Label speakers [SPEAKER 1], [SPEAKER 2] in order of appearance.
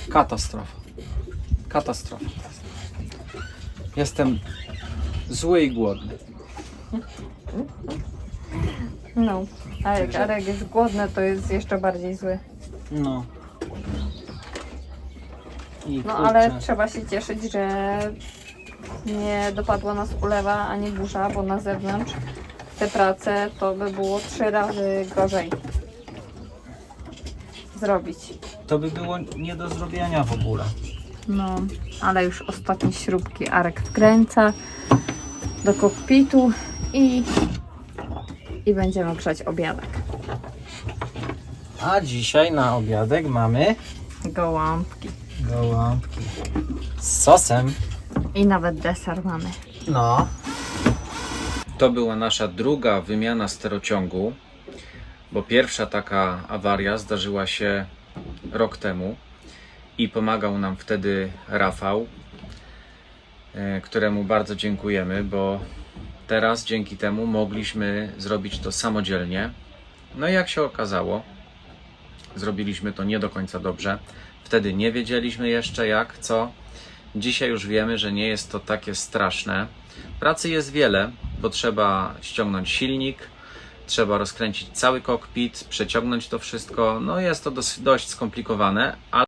[SPEAKER 1] Katastrofa. Katastrofa. Jestem zły i głodny.
[SPEAKER 2] No, a jak Arek jest głodny, to jest jeszcze bardziej zły.
[SPEAKER 1] No. I
[SPEAKER 2] No
[SPEAKER 1] kurczę,
[SPEAKER 2] ale trzeba się cieszyć, że nie dopadła nas ulewa ani burza, bo na zewnątrz te prace to by było 3 razy gorzej zrobić.
[SPEAKER 1] to by było nie do zrobienia w ogóle.
[SPEAKER 2] No, ale już ostatnie śrubki Arek wkręca do kokpitu i będziemy grzać obiadek.
[SPEAKER 1] A dzisiaj na obiadek mamy
[SPEAKER 2] Gołąbki.
[SPEAKER 1] gołąbki z sosem.
[SPEAKER 2] I nawet deser mamy.
[SPEAKER 1] No. To była nasza druga wymiana sterociągu, bo pierwsza taka awaria zdarzyła się rok temu i pomagał nam wtedy Rafał, któremu bardzo dziękujemy, bo teraz dzięki temu mogliśmy zrobić to samodzielnie. No i jak się okazało, zrobiliśmy to nie do końca dobrze. Wtedy nie wiedzieliśmy jeszcze jak, co. Dzisiaj już wiemy, że nie jest to takie straszne. Pracy jest wiele, bo trzeba ściągnąć silnik, trzeba rozkręcić cały kokpit, przeciągnąć to wszystko. No jest to dość skomplikowane, ale